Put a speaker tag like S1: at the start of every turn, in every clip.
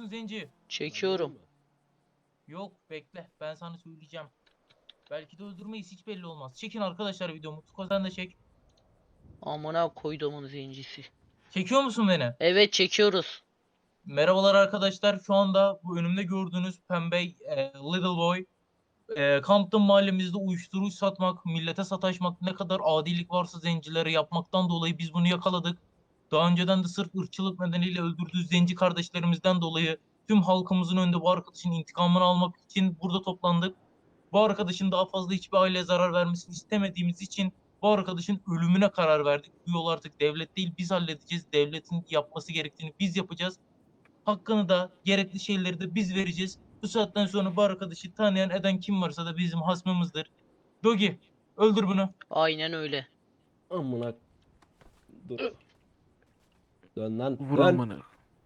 S1: musun zenci?
S2: Çekiyorum.
S1: Yok bekle ben sana söyleyeceğim. Belki de öldürmeyiz hiç belli olmaz. Çekin arkadaşlar videomu. Tuko sen de çek.
S2: Amına koyduğumun zencisi.
S1: Çekiyor musun beni?
S2: Evet çekiyoruz.
S1: Merhabalar arkadaşlar. Şu anda bu önümde gördüğünüz pembe Little Boy Compton mahallemizde uyuşturucu satmak, millete sataşmak, ne kadar adilik varsa zencilere yapmaktan dolayı biz bunu yakaladık. Daha önceden de sırf ırkçılık nedeniyle öldürdüğü zenci kardeşlerimizden dolayı tüm halkımızın önünde bu arkadaşın intikamını almak için burada toplandık. Bu arkadaşın daha fazla hiçbir aileye zarar vermesini istemediğimiz için bu arkadaşın ölümüne karar verdik. Bu yol artık devlet değil biz halledeceğiz. Devletin yapması gerektiğini biz yapacağız. Hakkını da gerekli şeyleri de biz vereceğiz. Bu saatten sonra bu arkadaşı tanıyan eden kim varsa da bizim hasmımızdır. Dogi öldür bunu.
S2: Aynen öyle.
S3: Amına. Dur. Dön lan.
S4: Vur
S3: Dön.
S4: amına.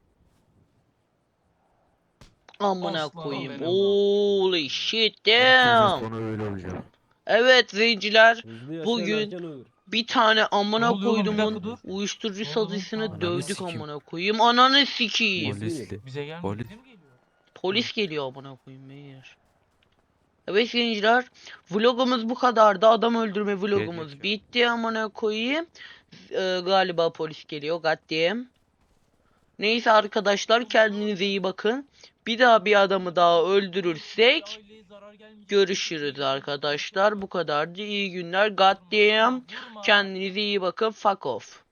S2: Amına
S1: Aslanım
S2: koyayım.
S1: benim.
S2: Holy shit
S4: Herkesin
S2: damn.
S4: sonu öyle olacak.
S2: Evet zenciler.
S3: Hızlı yaşayan
S2: Bugün
S3: erken ölür.
S2: bir tane
S1: Ne
S2: amına
S1: oluyor oğlum? Bir dakika
S2: koyduğumun
S1: dur.
S2: uyuşturucu
S1: Ne oldu lan?
S2: satıcısını
S1: Ananı
S2: dövdük
S4: sikeyim.
S2: amına koyayım. Ananı sikeyim.
S4: Polisli.
S1: Bize gelmiyor.
S4: Polis.
S1: Bize mi geliyor?
S2: Polis geliyor amına koyayım beyler. Evet zenciler. Vlogumuz bu kadardı. Adam öldürme vlogumuz
S4: Gelecek
S2: bitti amına koyayım. Galiba polis geliyor. Goddamn. Neyse arkadaşlar kendinize iyi bakın. Bir daha bir adamı daha öldürürsek
S1: Aileye zarar gelmeyecek.
S2: görüşürüz arkadaşlar. Bu kadardı. İyi günler. Goddamn. Kendinize iyi bakın. Fuck off.